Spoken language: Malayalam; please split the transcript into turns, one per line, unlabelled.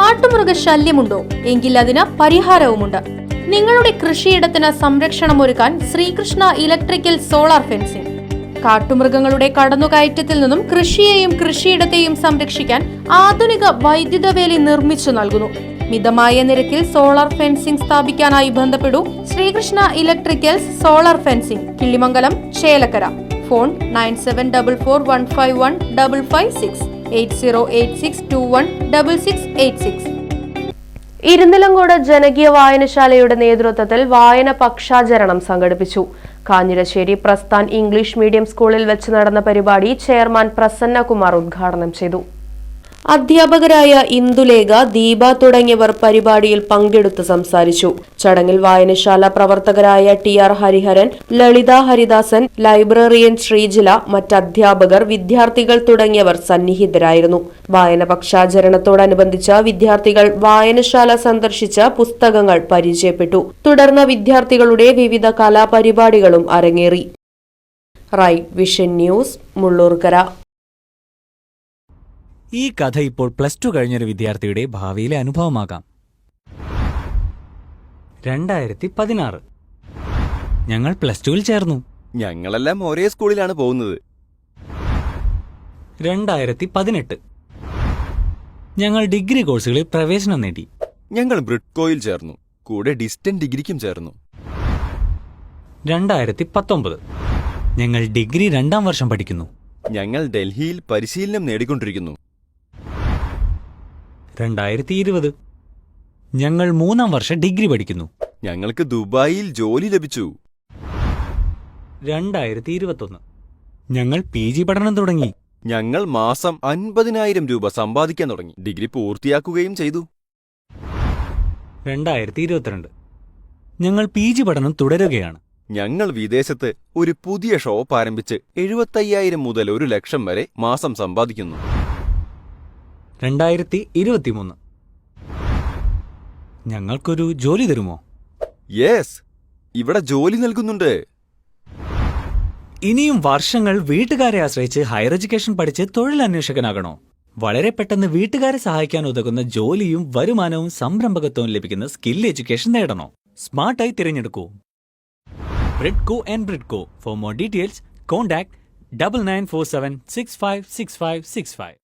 കാട്ടുമൃഗശല്യമുണ്ടോ? എങ്കിൽ അതിന് പരിഹാരവുമുണ്ട്. നിങ്ങളുടെ കൃഷിയിടത്തിന് സംരക്ഷണമൊരുക്കാൻ ശ്രീകൃഷ്ണ ഇലക്ട്രിക്കൽ സോളാർ ഫെൻസിംഗ്. കാട്ടുമൃഗങ്ങളുടെ കടന്നുകയറ്റത്തിൽ നിന്നും കൃഷിയെയും കൃഷിയിടത്തെയും സംരക്ഷിക്കാൻ ആധുനിക വൈദ്യുത വേലി നിർമ്മിച്ചു നൽകുന്നു. മിതമായ നിരക്കിൽ സോളാർ ഫെൻസിംഗ് സ്ഥാപിക്കാനായി ബന്ധപ്പെടൂ. Sreekrishna electricals solar fencing, Killimangalam, Chelakkara. Phone 9744151556 8086216686.
Irunnilamkode ജനകീയ വായനശാലയുടെ നേതൃത്വത്തിൽ വായന പക്ഷാചരണം സംഘടിപ്പിച്ചു. കാഞ്ഞിരശ്ശേരി പ്രസ്ഥാൻ ഇംഗ്ലീഷ് മീഡിയം സ്കൂളിൽ വെച്ച് നടന്ന പരിപാടി ചെയർമാൻ പ്രസന്നകുമാർ ഉദ്ഘാടനം ചെയ്തു. അധ്യാപകരായ ഇന്ദുലേഖ, ദീപ തുടങ്ങിയവർ പരിപാടിയിൽ പങ്കെടുത്ത് സംസാരിച്ചു. ചടങ്ങിൽ വായനശാല പ്രവർത്തകരായ TR ഹരിഹരൻ, ലളിത ഹരിദാസൻ, ലൈബ്രറിയൻ ശ്രീജില, മറ്റധ്യാപകർ, വിദ്യാർത്ഥികൾ തുടങ്ങിയവർ സന്നിഹിതരായിരുന്നു. വായന പക്ഷാചരണത്തോടനുബന്ധിച്ച് വിദ്യാർത്ഥികൾ വായനശാല സന്ദർശിച്ച് പുസ്തകങ്ങൾ പരിചയപ്പെട്ടു. തുടർന്ന് വിദ്യാർത്ഥികളുടെ വിവിധ കലാപരിപാടികളും അരങ്ങേറി. Right vision news, Mullurkara.
ഈ കഥ ഇപ്പോൾ +2 കഴിഞ്ഞൊരു വിദ്യാർത്ഥിയുടെ ഭാവിയിലെ അനുഭവമാകാം. 2016 ഞങ്ങൾ +2-ൽ ചേർന്നു.
ഞങ്ങളെല്ലാം ഒരേ സ്കൂളിലാണ് പോകുന്നത്.
2018 ഞങ്ങൾ ഡിഗ്രി കോഴ്സുകളിൽ പ്രവേശനം നേടി.
ഞങ്ങൾ ബ്രിഡ്കോയിൽ ചേർന്നു, കൂടെ ഡിസ്റ്റന്റ് ഡിഗ്രിക്കും ചേർന്നു.
2019 ഞങ്ങൾ ഡിഗ്രി 2ാം വർഷം പഠിക്കുന്നു.
ഞങ്ങൾ ഡൽഹിയിൽ പരിശീലനം നേടിക്കൊണ്ടിരിക്കുന്നു.
2020 ഞങ്ങൾ 3ാം വർഷം ഡിഗ്രി പഠിക്കുന്നു.
ഞങ്ങൾക്ക് ദുബായിൽ ജോലി ലഭിച്ചു.
2021 ഞങ്ങൾ PG പഠനം തുടങ്ങി.
ഞങ്ങൾ മാസം 50,000 രൂപ സമ്പാദിക്കാൻ തുടങ്ങി. ഡിഗ്രി പൂർത്തിയാക്കുകയും ചെയ്തു.
2022 ഞങ്ങൾ PG പഠനം തുടരുകയാണ്.
ഞങ്ങൾ വിദേശത്ത് ഒരു പുതിയ ഷോപ്പ് ആരംഭിച്ച് 75,000 മുതൽ 1,00,000 വരെ മാസം സമ്പാദിക്കുന്നു.
2023 ഞങ്ങൾക്കൊരു ജോലി തരുമോ?
യെസ്, ഇവിടെ ജോലി നൽകുന്നുണ്ട്.
ഇനിയും വർഷങ്ങൾ വീട്ടുകാരെ ആശ്രയിച്ച് ഹയർ എഡ്യൂക്കേഷൻ പഠിച്ച് തൊഴിലന്വേഷകനാകണോ? വളരെ പെട്ടെന്ന് വീട്ടുകാരെ സഹായിക്കാൻ ഉതകുന്ന ജോലിയും വരുമാനവും സംരംഭകത്വവും ലഭിക്കുന്ന സ്കിൽ എഡ്യൂക്കേഷൻ നേടണോ? സ്മാർട്ടായി തിരഞ്ഞെടുക്കൂ Bridco and Bridco. For more details contact 9947656565.